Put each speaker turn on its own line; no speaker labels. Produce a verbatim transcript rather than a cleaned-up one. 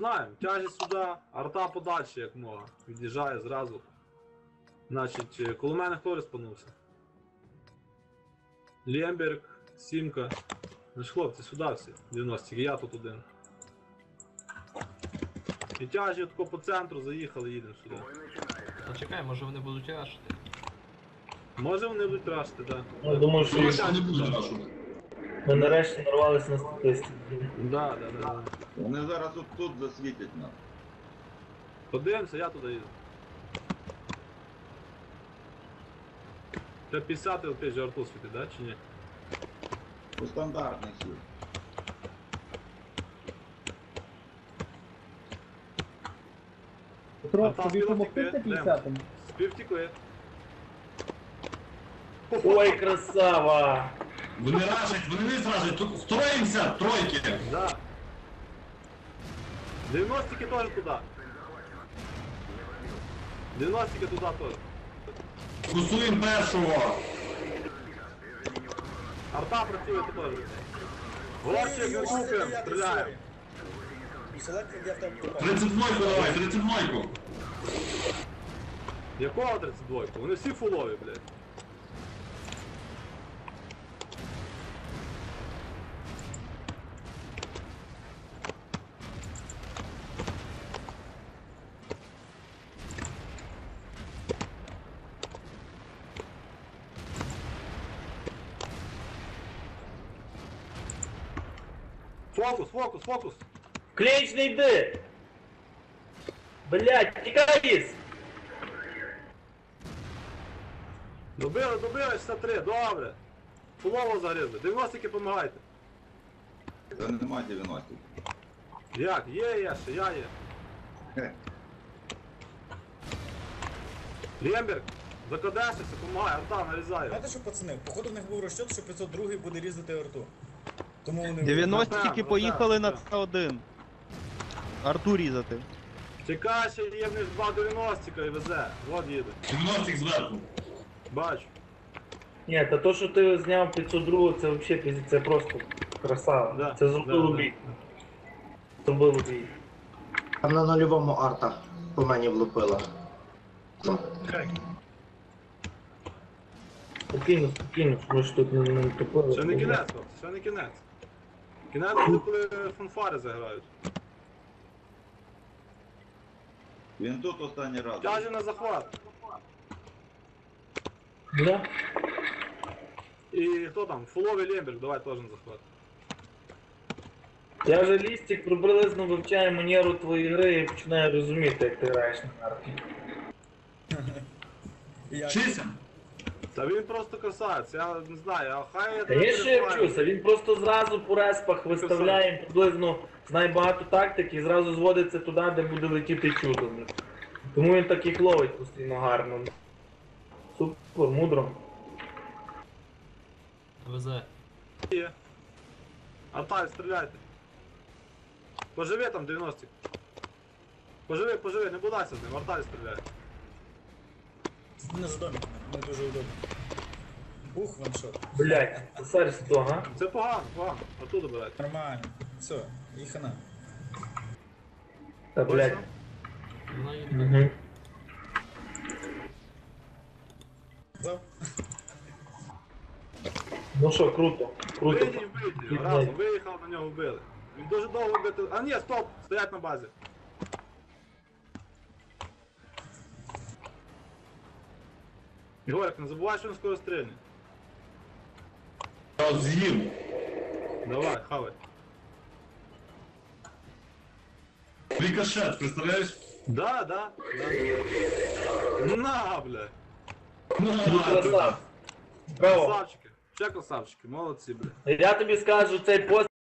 знаємо. Тяжі сюди, арта подальше, як мога. Від'їжджає зразу. Значить, е, коло мене хто респанувся? Лємберг, Сімка. Значить, хлопці, сюди всі. дев'яності, я тут один. І тяжі тако по центру заїхали, їдемо сюди.
Та чекай, може вони будуть рашити.
Може вони будуть рашити, так.
Я думаю, що
Що не будуть рашувати?
ми нарешті нарвалися на статистику.
Да, да, да, да.
Вони зараз от тут засвітять нас.
Подивимося, я туди їду. Це п'ятдесят опять же арту світить, да, чи ні?
По стандартних сіл.
Петро,
А там
тобі
біло
допомогти
тільки,
на п'ятдесятому?
Співтікли.
Ой, красава!
Вони рашать, вони не зражать, тут строїмося, тройки.
Да. дев'яностики теж туди. дев'яностики туди теж.
Кусуємо першого.
Арта працює тут теж. Горчик, не купимо, стріляємо.
тридцять двойку давай, тридцять двойку.
Якого тридцять два? Вони всі фулові, блядь. Фокус, фокус, фокус!
Клінч не йди! Блять, тікай із!
Добили, добили, шістдесят три, добре. Фулово загризли, дев'яностики помагайте.
Це нема дев'яностих.
Як? Є, є, ще я є.
Хе.
Лємберг, закадешся, помагай, арта нарізає.
Знаєте що, пацани, походу в них був розчет, що п'ятсот другий буде різати арту. Тому вони...
дев'яностики
Ну,
поїхали на
так,
Ц один. Арту різати.
Чекай, ще є в них два дев'яностика і везе. Вот їде.
дев'яностих зверху.
Бачу.
Ні, та то, що ти зняв п'ятсот два, це взагалі пізд- це просто красава.
Да,
Це зробило
да,
бій. Зробило бій.
Там на нульовому арта по мені влупила. Ну.
Спокійно, спокійно, ми ж тут не, не тупили.
Ще не кінець, хлопці, ще не кінець. Кінець буде, коли фанфари заграють.
Він тут останній раз.
Тяжі на захват.
Да?
І хто там? Фуловий Лємберг, давай теж на захват.
Я вже лістик приблизно вивчаю манеру твоєї гри і починаю розуміти, як ти граєш на карті.
Я...
Вчися.
Та він просто красавець, я не знаю, а хай я
Та я ще вчуся, він просто зразу по респах виставляє приблизно, знає багато тактик і зразу зводиться туди, де буде летіти чудо. Тому він так їх ловить постійно гарно. Супер, мудро.
Везе.
Є. Артай, стріляйте. Поживи там дев'яностик. Поживи, поживи, не бодайся з ним, Артай стріляє.
Не за домик, не дуже удобно. Ух, ваншот.
Блять, цесарь сто, га?
Це погано, погано, оттуда берете.
Нормально. Все, і хана.
Та блять.
Вона їде.
Угу.
Зав?
Ну що, круто, круто.
Вийдіть, вийдіть, разом, виїхав, на нього вбили. Він дуже довго бити. А ні, стоп! Стоять на базі. Ігорик, не забувай, що він скоро стрільне.
Я от з'їв.
Давай, хавай.
Рикошет, представляєш?
Да, да, да. На, бля.
Ну, красав. Браво.
Красавчики. Ще красавчики, молодці, бля.
Я тобі скажу, цей пост